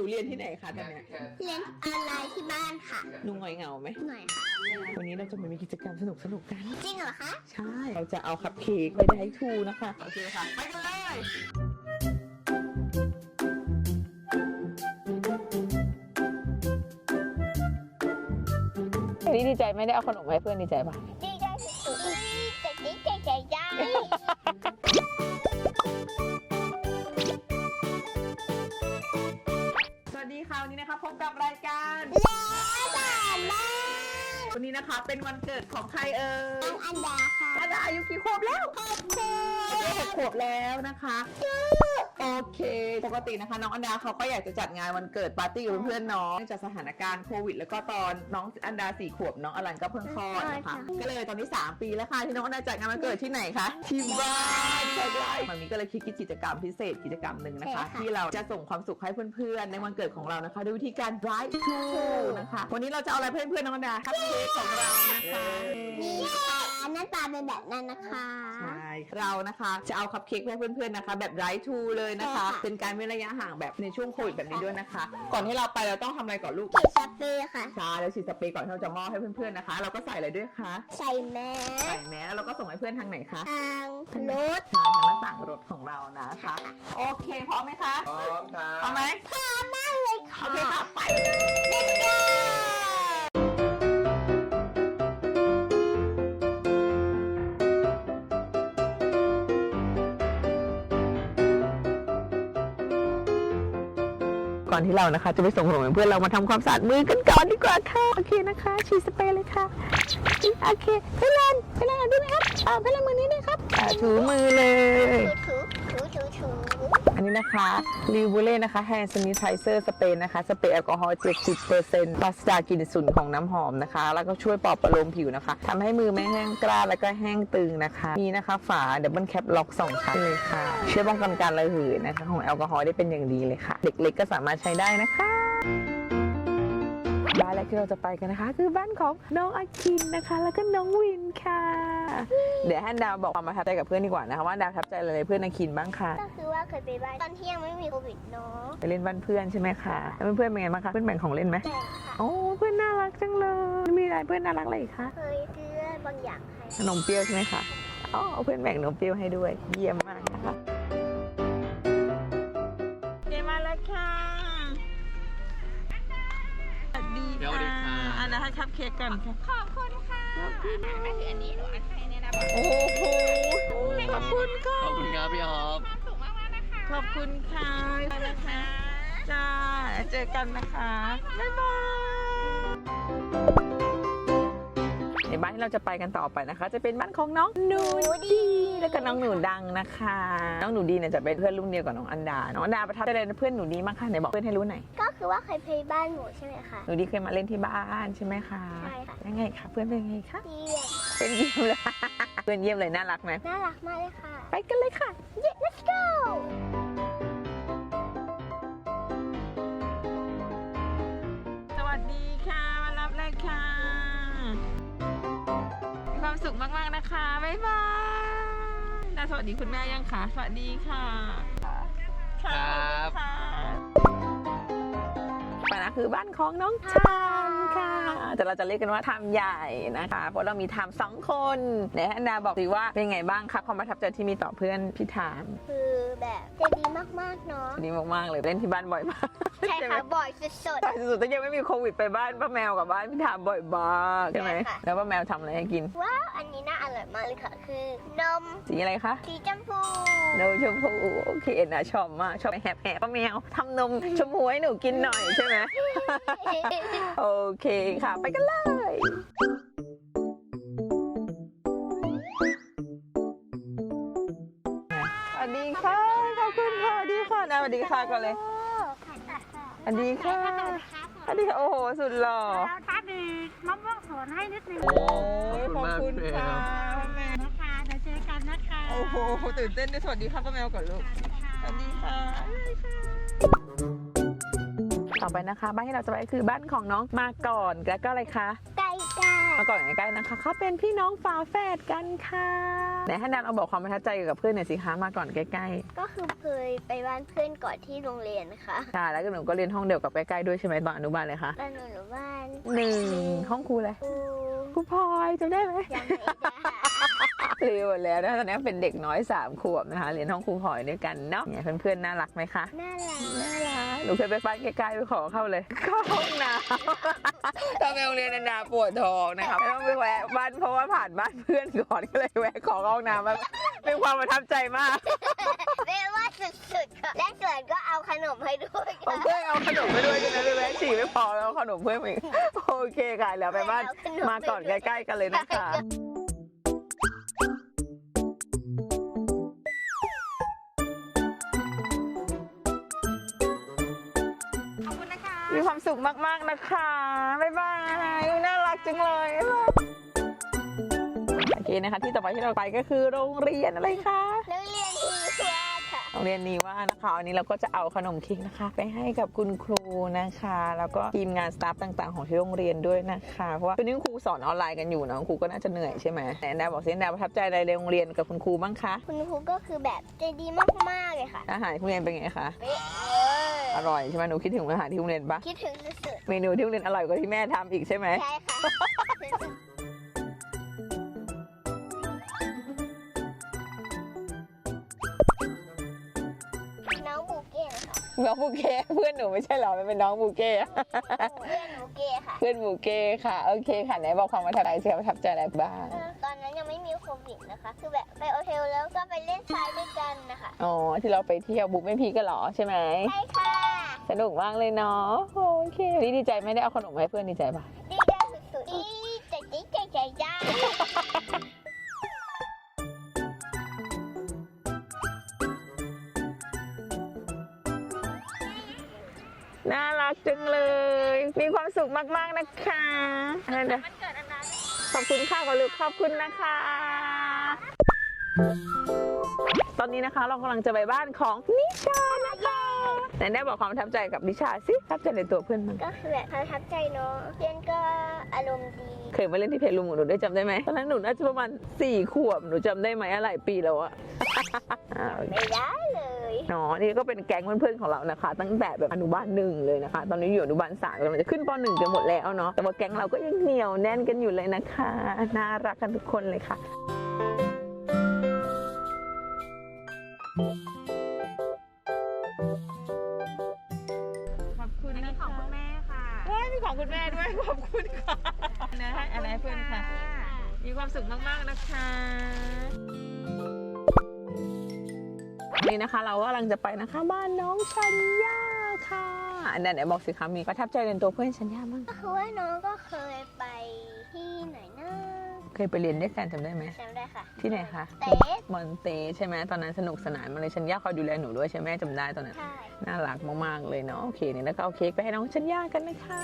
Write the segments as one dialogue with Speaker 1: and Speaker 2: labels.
Speaker 1: เรียนที่ไหนคะตอนนี้
Speaker 2: เรียนออนไลน์ที่บ้านค่ะ
Speaker 1: หนูหงอยเหงาไหม
Speaker 2: หน่อยค่ะ
Speaker 1: วันนี้เราจะมามีกิจกรรมสนุกกัน
Speaker 2: จริงเหรอคะ
Speaker 1: ใช่เราจะเอาคัพเค้กไปได้ทูนะคะโอเคค่ะไปกันเลยนี่ดีใจไม่ได้เอาขนมให้เพื่อนดีใจป่ะ
Speaker 2: ดีใจสุดๆใจ
Speaker 1: สวัสดีค่ะวันนี้นะคะพบกับรายการ
Speaker 2: แล้วบ้าน
Speaker 1: วันนี้นะคะเป็นวันเกิดของใครเอ่ย
Speaker 2: อันดาค่ะ
Speaker 1: อันดาอายุกี่ขวบแล้ว6 ขวบแล้วนะคะโอเคปกตินะคะน้องอันดาเขาก็อยากจะจัดงานวันเกิดปาร์ตี้กับเพื่อนๆน้องเนื่องจากสถานการณ์โควิดแล้วก็ตอนน้องอันดา4 ขวบน้องอลันก็เพิ่งคลอดนะคะก็เลยตอนนี้3 ปีแล้วค่ะที่น้องอันดาจัดงานวันเกิดที่ไหนคะที่บ้านใช่มันมีก็เลยคิดกิจกรรมพิเศษกิจกรรมหนึ่งนะคะที่เราจะส่งความสุขให้เพื่อนๆในวันเกิดของเรานะคะด้วยวิธีการ drive thru นะคะวันนี้เราจะเอาอะไรเพื่อนๆน้องอันดาคัพเค้กของเรานะคะ
Speaker 2: นี่ค่ะหน้าตาเป็นแบบนั้นนะคะ
Speaker 1: ใช่เรานะคะจะเอาคัพเค้กให้เพื่อนๆนะคะแบบไร้ทูเลยนะคะเป็นการเว้นระยะห่างแบบในช่วงโควิดแบบนี้ด้วยนะคะก่อนที่เราไปเราต้องทำอะไรก่อนลูก
Speaker 2: ฉีดสเปรย์ค่ะ
Speaker 1: ใช่แล้วฉีดสเปรย์ก่อนที่เราจะมอบให้เพื่อนๆนะคะเราก็ใส่อะไรด้วยคะ
Speaker 2: ใส่แม
Speaker 1: สแล้วเราก็ส่งให้เพื่อนทางไหนคะ
Speaker 2: ทางรถ
Speaker 1: ทางหน้าต่างรถของเรานะคะโอเคพร้อมไหมคะ
Speaker 3: พร้อมครับ
Speaker 1: พร้อมไหม
Speaker 2: พร้อมมากเลยค่ะ
Speaker 1: โอเคค่ะไปก่อนที่เรานะคะจะไปส่งขนมเพื่อนเรามาทำความสะอาดมือกันก่อนดีกว่าค่ะโอเคนะคะฉีดสเปรย์เลยค่ะโอเคเพื่อนดูนะครับเพื่อนมือนี้ด้วยครับถูมือเลย
Speaker 2: ถู
Speaker 1: อันนี้นะคะลิวบูเล่นะคะแฮนด์ซานิไทเซอร์สเปรย์นะคะสเปรย์แอลกอฮอล์ 70% ปราศจากกลิ่นฉุนของน้ำหอมนะคะแล้วก็ช่วยปลอบประโลมผิวนะคะทำให้มือไม่แห้งกร้านแล้วก็แห้งตึงนะคะมีนะคะฝาดับเบิลแคปล็อก2 ชั้นเลยค่ะช่วยป้องกันการระเหยนะคะของแอลกอฮอล์ได้เป็นอย่างดีเลยค่ะเด็กเล็กก็สามารถใช้ได้นะคะบ้านแรกที่เราจะไปกันนะคะคือบ้านของน้องอาคินนะคะแล้วก็น้องวินค่ะเดี๋ยวให้ดาวบอกความประทับใจกับเพื่อนดีกว่านะคะว่าดาวประทับใจอะไรเพื่อนอาคินบ้างคะ
Speaker 2: ก็คือว่าเคยไปบ้านตอนที่ยังไม่มีโควิดเนาะ
Speaker 1: ไปเล่นบ้านเพื่อนใช่ไหมคะแล้วเพื่อนเป็นไงบ้างคะเพื่อนแบ่งของเล่นไหมโอ้เพื่อนน่ารักจังเลยมีอะไรเพื่อนน่ารักอะไรอีกคะ
Speaker 2: เคยซื้อบางอย่างให้
Speaker 1: ขนมเปรี้ยวใช่ไหมคะอ๋อเพื่อนแบ่งขนมเปรี้ยวให้ด้วยเยี่ยมมากนะคะเดี๋ยวมาแล้วค่ะสวัสดีค่ะอันนั้นให้คัพเค้กก่อนค่ะ
Speaker 2: ขอบคุณค่ะไม่ถืออันนี้หนูอันให้เนี่ยนะ
Speaker 1: โอ้โหขอบคุณค่ะ
Speaker 3: ขอบคุณครับพี่ฮอป
Speaker 2: ความสุขมากๆนะคะ
Speaker 1: ขอบคุณค่ะนะคะจ้าเจอกันนะคะบ๊ายบายในบ้านที่เราจะไปกันต่อไปนะคะจะเป็นบ้านของน้องหนูดีแล้วก็น้องหนูดังนะคะน้องหนูดีเนี่ยจะเป็นเพื่อนรุ่นเดียวกับน้องอันดาน้องอันดาประทับใจอะไรเพื่อนหนูดีมากค่ะไหนบอกเพื่อนให้รู้หน่อย
Speaker 2: ก็คือว่าเคยไปบ้านหนูใช่ไหมคะ
Speaker 1: หนูดีเคยมาเล่นที่บ้านใช่ไหมคะ
Speaker 2: ใช่ค่ะ
Speaker 1: ยังไงคะเพื่อนเป็นไงคะ
Speaker 2: เยี่ยม
Speaker 1: เป็นเยี่ยมเลยเพื่อนเยี่ยมเลยน่ารักไหม
Speaker 2: น่ารักมากเลยค่ะ
Speaker 1: ไปกันเลยค่ะ
Speaker 2: let's go
Speaker 1: สวัสดีค่ะมารับเลยค่ะมีความสุขมากๆนะคะบ๊ายบายสวัสดีคุณแม่ยังคะสวัสดีค่ะ
Speaker 3: ครับ
Speaker 1: ไปนะคือบ้านของน้องทามค่ะแต่เราจะเรียกกันว่าทามใหญ่นะคะเพราะเรามีทาม2 คนเดี๋ยวให้อันดาบอกสิว่าเป็นไงบ้างคะความประทับใจที่มีต่อเพื่อนพี่ทาม
Speaker 2: คือแบบใจดีมากๆเนาะ
Speaker 1: ดีมากๆเลยเล่นที่บ้านบ่อยมาก
Speaker 2: ใช่ค่ะบ่อยสุด
Speaker 1: ๆแต่ยังไม่มีโควิดไปบ้านป้าแมวกับบ้านพี่ทามบ่อยมากใช่ไหมแล้วป้าแมวทำอะไรให้กิน
Speaker 2: ว้าวอันนี้น่าอร่อยมากเลยค่ะคือนม
Speaker 1: สีอะไรคะ
Speaker 2: สีชมพู
Speaker 1: นมชมพูโอเคนะชอบมากชอบแหบป้าแมวทำนมชมพูให้หนูกินหน่อยใช่ไหมโอเคค่ะไปกันเลยสวัสดีค่ะขอบคุณค่ะสวัสดีค่ะสวัสดีค่ะก่อนเลยสวัสดีค่ะสวัสดีค่ะโอ้โหสุดหล่อ
Speaker 2: ถ้ามีมะม่วงสวนให้นิดนึง
Speaker 1: โอ้ขอบคุณค่ะแม่
Speaker 2: นะคะเดี๋ยวเจอกันนะคะ
Speaker 1: โอ้โหตื่นเต้นด้วยสวัสดีค่ะป้าแมวก่อนลูกสวัสดีค่ะต่อไปนะคะบ้านที่เราจะไปคือบ้านของน้องมาก่อนแล้วก็อะไรคะ
Speaker 2: ไก่
Speaker 1: มาก่อนใกล้ๆนะคะเขาเป็นพี่น้องฝาแฝดกันค่ะไหนให้นันเอาบอกความประทับใจเกี่ยวกับเพื่อนหน่อยสิคะมาก่อนใกล้
Speaker 2: ก็คือเคยไปบ้านเพื่อนก่อนที่โรงเรียนนะคะ
Speaker 1: ๆใช่แล้วก็หนูก็เรียนห้องเดียวกับใกล้ๆด้วยใช่ไหมตอนอนุบาลเลยคะ
Speaker 2: ตอนหนูอยู่บ้าน
Speaker 1: 1 ห้องครูเลย
Speaker 2: ครู
Speaker 1: ครูพลอยจำได้ไหม
Speaker 2: ยังไม่ได้
Speaker 1: เรียนหมดแล้วนะตอนนี้เป็นเด็กน้อย3 ขวบนะคะเรียนห้องครูพลอยด้วยกันเนาะเนี่ยเพื่อนๆน่ารักไหมคะ
Speaker 2: น่ารัก
Speaker 1: น่ารักหนูเคยไปบ้านใกล้ๆไปขอเข้าเลยเข้าห้องน้ำตอนไปโรงเรียนนาปวดท้องนะคะไม่ต้องไปแวะบ้านเพราะว่าผ่านบ้านเพื่อนก่อนก็เลยแวะขอเข้าห้องน้ำมาเป็นความประทับใจมาก
Speaker 2: เรียกว่าสุดๆค่ะและส่วนก็เอาขนมให้ด้วย
Speaker 1: เอา
Speaker 2: ค่ะ
Speaker 1: เพื่อนเอาขนมไปด้วยใช่ไหมไปแวะฉี่ไม่พอแล้วเอาขนมเพื่อนมาอีกโอเคค่ะแล้วไปบ้านมาก่อนใกล้ๆกันเลยนะคะ
Speaker 2: ขอบคุณนะคะ
Speaker 1: มีความสุขมากๆนะคะบ๊ายบายน่ารักจังเลยโอเคนะคะที่ต่อไปที่เราไปก็คือโรงเรียนอะไรคะ
Speaker 2: นักเรียนทีว่าค่ะ
Speaker 1: โรงเรียนนี้ว่านะคะวันนี้เราก็จะเอาขนมเค้กนะคะ ไปให้กับคุณครูนะคะ แล้วก็ทีมงานสตาฟต่างๆของที่โรงเรียนด้วยนะคะเพราะว่าวันนี้คุณครูสอนออนไลน์กันอยู่นะคุณครูก็น่าจะเหนื่อยใช่ไหมแอนดาบอกสิแอนดาประทับใจอะไรในโรงเรียนกับคุณครูบ้างคะ
Speaker 2: คุณครูก็คือแบบใจดีมากๆเลยค่ะ
Speaker 1: อาหารที่โรงเรียนเป็นไงคะ
Speaker 2: เป๊ะเลย
Speaker 1: อร่อยใช่ไหมหนูคิดถึงอาหารที่โรงเรียนปะ
Speaker 2: คิดถึงสุด
Speaker 1: เมนูที่โรงเรียนอร่อยกว่าที่แม่ทำอีกใช่ไหม
Speaker 2: ๆใช่ค่ะน้องบูเก้ค่ะ
Speaker 1: น้องบูเก้เพื่อนหนูไม่ใช่เหรอมันเป็นน้องบูเก้
Speaker 2: เพื่อนบูเก้ค่ะ
Speaker 1: เพื่อนบูเก้ค่ะโอเคค่ะไหนบอกความประทับใจสิประทับใจอะไรบ้าง
Speaker 2: ตอนนั้นยังไม่มีโควิดนะคะ คือแบบไปโอเทลแล้วก็ไปเล่นทรายด้วยกันนะคะ
Speaker 1: อ๋อที่เราไปเที่ยวบุ๊กไม่พีกันเหรอใช่ไหม
Speaker 2: ใช่ค่ะ
Speaker 1: สนุกมากเลยเนาะโอเควันนี้ดีใจไหม่ได้เอาขนมมาให้เพื่อนดีใจปะ
Speaker 2: ดีใจสุดๆดีใจจ้า
Speaker 1: น่ารักจังเลย มีความสุขมากๆนะคะอะไรเดี๋ยว
Speaker 2: มันเกิดอันนั้น
Speaker 1: ขอบคุณค่ะขอลูกขอบคุณนะคะ ตอนนี้นะคะเรากำลังจะไปบ้านของนิชานะคะไหนได้บอกความประทับใจกับนิชาสิประทับใจในตัวเพื่อนมั้ง
Speaker 2: ก็คือแบบประทับใจเนาะเพื่อนก็อารมณ์ดี
Speaker 1: เคยมาเล่นที่เพจลุงของหนูได้จำได้ไหมตอนนั้นหนูน่าจะประมาณ4 ขวบหนูจำได้ไหมหลายปีแล้วอะ
Speaker 2: ไม่ได้เลย
Speaker 1: เนาะนี่ก็เป็นแก๊งเพื่อนๆของเรานะคะ ตั้งแต่แบบอนุบาล1เลยนะคะ ตอนนี้อยู่อนุบาล3กำลังจะขึ้นป .1 กันหมดแล้วเนาะแต่ว่าแก๊งเราก็ยังเหนียวแน่นกันอยู่เลยนะคะน่ารักกันทุกคนเลยค่ะขอบคุณนะ
Speaker 2: ของ
Speaker 1: คะ
Speaker 2: คุณแม่ค่ะ
Speaker 1: ว้ายมีของคุณแม่ด้วยขอบคุณค่ะนะอะไรให้เพื่อนค่ะ มีความสุขมากๆนะคะวันนี้นะคะเรากำลังจะไปนะคะบ้านน้องชัญญาค่ะอันนั้นไหนบอกสิคะมีประทับใจในตัวเพื่อนชัญญาบ้าง
Speaker 2: ก็คือว่าน้องก็เคยไปที่ไหนนะ
Speaker 1: เคยไปเรียนด้วยกันจำได้ไหม
Speaker 2: จำได้ค่ะ
Speaker 1: ที่ไหนคะ
Speaker 2: เตส
Speaker 1: มอนเตใช่ไหมตอนนั้นสนุกสนานมาเลยชัญญาคอยดูแลหนูด้วยใช่ไหมจำได้ตอนนั้น
Speaker 2: ใช่
Speaker 1: น่ารักมากๆเลยเนาะโอเคเนี่ยแล้วก็เอาเค้กไปให้น้องชัญญากันนะคะ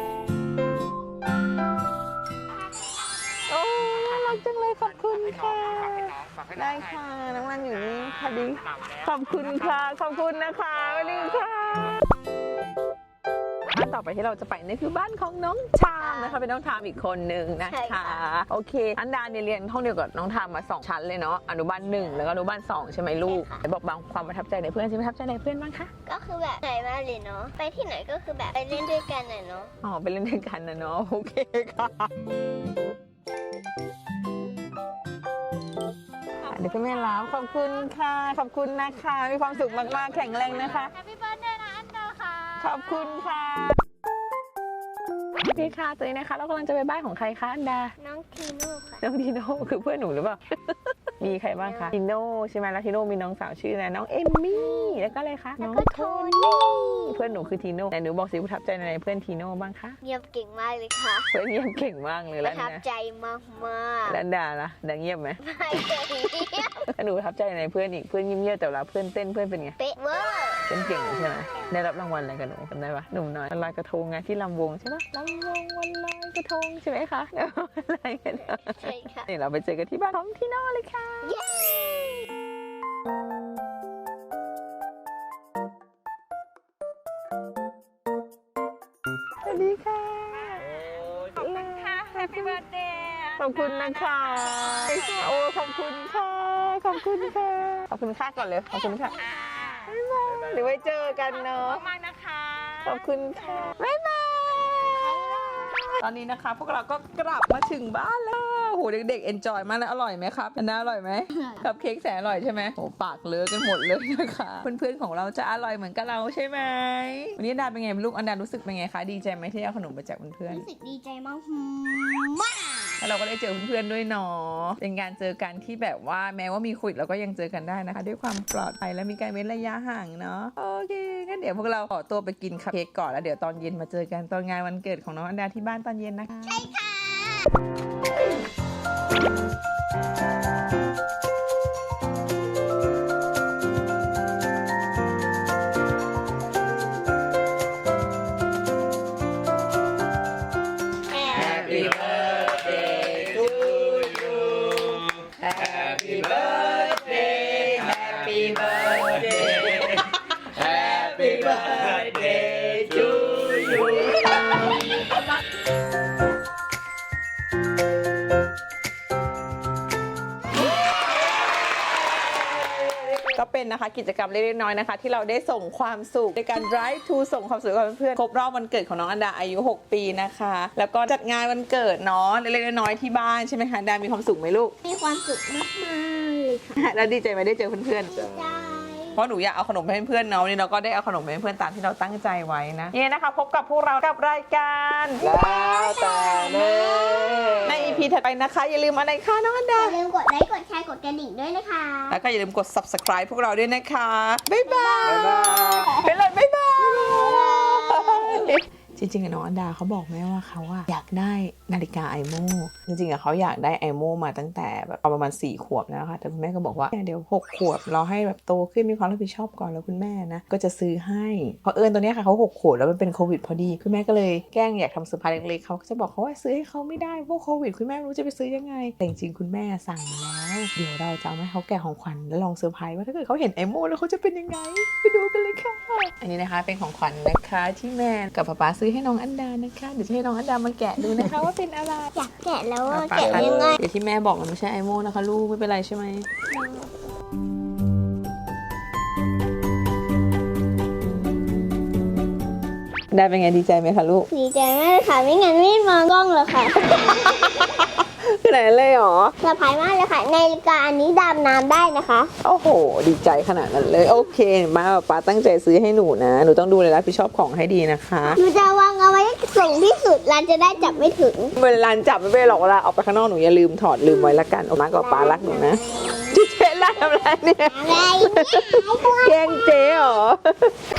Speaker 1: โอ้น่ารักจังเลยขอบคุณค่ะได้ค่ะน้องนันอยู่นี่ค่ะดีขอบคุณค่ะขอบคุณนะคะสวัสดีค่ะบ้านต่อไปที่เราจะไปนี่คือบ้านของน้องชามนะคะเป็นน้องทามอีกคนนึงนะคะโอเคอันดาเนี่ยเรียนห้องเดียวกับน้องทามมา2 ชั้นเลยเนาะอนุบาล1แล้วก็อนุบาล2ใช่ไหมลูกไหนบอกบางความประทับใจในเพื่อนสิประทับใจในเพื่อนบ้างคะ
Speaker 2: ก็คือแบบไหนมาเลยเนาะ ไปที่ไหนก็คือแบบไปเล่นด้วยกันน่ะเนาะ
Speaker 1: อ๋อไปเล่นด้วยกันนะเนาะโอเคค่ะเดี๋ยวคุณแม่ลาขอบคุณค่ะขอบคุณนะคะมีความสุขมากๆแข็งแรงนะคะ
Speaker 2: แฮปปี้เบิร์ดเดย์นะอันดาค่ะ
Speaker 1: ขอบคุณค่ะโอเคค่ะตอนนี้นะคะเรากำลังจะไปบ้านของใครคะอันดา
Speaker 2: น้องทีโน่ค่ะ
Speaker 1: น้องทีโน่คือเพื่อนหนูหรือเปล่า มีใครบ้างคะทีโน่ใช่ไหมแล้วทีโน่มีน้องสาวชื่ออะไรน้องเอมมี่แล้วก็อะไรคะ
Speaker 2: แล้ว
Speaker 1: น้อง
Speaker 2: ก็
Speaker 1: โท
Speaker 2: โท
Speaker 1: นี่
Speaker 2: นี่
Speaker 1: เพื่อนหนูคือทีโน่แต่หนูบอกสิประทับใจในเพื่อนทีโน่บ้างคะ
Speaker 2: เงียบเก่งมากเลยค่ะ
Speaker 1: เพื่อนเงียบเก่งมากเลย
Speaker 2: ป
Speaker 1: แล้ว
Speaker 2: ระทับ
Speaker 1: นะ
Speaker 2: ใจมาก
Speaker 1: แล้วอันดาล่ะดังเงียบไหม
Speaker 2: ๆไม่เคยเงียบ
Speaker 1: แล้วหนูประทับใจในเพื่อนอีกเพื่อนเงียบๆแต่เวลาเพื่อนเต้นเพื่อนเป็นไง
Speaker 2: เป๊ะเวอร์
Speaker 1: เต้นเก่งใช่ไหมได้รับรางวัลอะไรกันหนูจำได้ปะหนุ่มน้อยวันลอยกระทงไงที่ลำวงใช่ปะลำวงวันลอยกระทงใช่ไหมคะอะไรกัน
Speaker 2: ใช่ค่ะ
Speaker 1: นี่เราไปเจอกันที่บ้านของทีโน่เลยค่ะ
Speaker 2: เย้
Speaker 1: สวัสดีค่ะ
Speaker 2: ขอบคุณค่ะ แฮปปี้เบิร์ดเดย์
Speaker 1: ขอบคุณนะคะโอ้ขอบคุณค่ะอบคุณค่ะขอบคุณค่ะก่อนเลยขอบคุณค่ะบ๊ายบายเดี๋ยวไว้เจอกันเนาะ
Speaker 3: มากนะคะ
Speaker 1: ขอบคุณค่ะบ๊ายบายตอนนี้นะคะ พวกเราก็กลับมาถึงบ้านแล้วโหเด็กๆเอนจอยมากเลยอร่อยไหมครับอันน่าอร่อยไหมกับเค้กแสนอร่อยใช่ไหมโหปากเลอะกันหมดเลยนะคะเพื่อนๆของเราจะอร่อยเหมือนกับเราใช่ไหมวันนี้อันดาเป็นไงลูกอันดารู้สึกเป็นไงคะดีใจไหมที่ได้ขนมมาจากเพื่อน
Speaker 2: รู้สึกดีใจมากมาก
Speaker 1: ๆแล้วเราก็ได้เจอเพื่อนๆด้วยเนาะเป็นการเจอกันที่แบบว่าแม้ว่ามีโควิดเราก็ยังเจอกันได้นะคะ ด้วยความปลอดภัยและมีการเว้นระยะห่างเนาะโอเคงั้นเดี๋ยวพวกเราขอตัวไปกินคัพเค้กก่อนแล้วเดี๋ยวตอนเย็นมาเจอกันตอนงานวันเกิดของน้องอันดาที่บ้านตอนเย็นนะคะใช่ค่ะHappy birthday to you Happy birthday Happy birthday Happy birthday to you ก็เป็นนะคะกิจกรรมเล็กๆน้อยๆนะคะที่เราได้ส่งความสุขในการ drive to ส่งความสุขกับเพื่อนๆครบรอบวันเกิดของน้องอันดาอายุ6 ปีนะคะแล้วก็จัดงานวันเกิดเนาะเล็กๆน้อยๆที่บ้านใช่ไหมคะอันดามีความสุขไหมลูก
Speaker 2: มีความสุขมากๆเลยค่ะ
Speaker 1: แล้วดีใจไหมได้เจอเพื่อนๆ
Speaker 2: ใจ
Speaker 1: เพราะหนูอยากเอาขนมไปให้เพื่อนเนาะวันนี้เราก็ได้เอาขนมไปให้เพื่อนตามที่เราตั้งใจไว้นะนี่นะคะพบกับพวกเรากับรายการแล้วแต่เน่ใน EP ถัดไปนะคะ อย่าลืมอะไรคะน้องอัน
Speaker 2: อ
Speaker 1: ดา
Speaker 2: ย่าลืมกดไลค์ กดแชร์ กดกระดิ่งด้วยนะคะ
Speaker 1: แล้วก็อย่าลืมกด subscribe พวกเราด้วยนะคะ บ๊ายบายไปเลยบ๊ายบายจริงๆน้องอันดาเขาบอกแม่ว่าเขาอยากได้นาฬิกาไอโม่จริงๆเขาอยากได้ไอโม่มาตั้งแต่แบบประมาณ4 ขวบแล้วค่ะแต่คุณแม่ก็บอกว่าเดี๋ยว6 ขวบเราให้แบบโตขึ้นมีความรับผิดชอบก่อนแล้วคุณแม่นะก็จะซื้อให้เพราะตัวเนี้ยค่ะเขา6 ขวบแล้วมันเป็นโควิดพอดีคุณแม่ก็เลยแกล้งอยากทำเซอร์ไพรส์เล็กๆเขาก็จะบอกเขาว่าซื้อให้เขาไม่ได้พวกโควิดคุณแม่ไม่รู้จะไปซื้อยังไงแต่จริงๆคุณแม่สั่งแล้วเดี๋ยวเราจะเอาให้เขาแกะของขวัญแล้วลองเซอร์ไพรส์ว่าถ้าเกิดเขาเห็นไอโม่แล้วเขาจะเป็นยังไงไปดูกันเลยค่ะอันนี้นะคะเป็นของขวัญนะคะที่แม่กับป๊าซื้อให้น้องอันดานะคะเดี๋ยวจะให้น้องอันดามาแกะดูนะคะว่าเป็นอะไร
Speaker 2: อยากแกะแล้วอะ
Speaker 1: ป๊า
Speaker 2: แกะยังไง
Speaker 1: เดี๋ยวที่แม่บอกมันไม่ใช่ไอโม่นะคะลูกไม่เป็นไรใช่ไหมได้เป็นไงดีใจไหมคะลูก
Speaker 2: ดีใจมากเลยค่ะ ไม่งั้นไม่มองกล้องเลยค่ะ
Speaker 1: ขนาดนั้นเลยเหรอ
Speaker 2: สบายมากเลยค่ะนาฬิกาอันนี้ดำน้ำได้นะคะ
Speaker 1: โอ้โหดีใจขนาดนั้นเลยโอเคมาป๊าตั้งใจซื้อให้หนูนะหนูต้องดูเลยรับผิดชอบของให้ดีนะคะ
Speaker 2: หนูจะวางเอาไว้สูงที่สุดร้านจะได้จับไม่ถึง
Speaker 1: เวลาจับไม่เป็นหรอกเวลาออกไปข้างนอกหนูอย่าลืมถอดลืมไว้ละกันออกมากับป๊ารักหนูนะเจ๊ไล่ทำอะไรเนี่ย
Speaker 2: อะไรเนี่ย
Speaker 1: แกล้งเจ๊เหรอ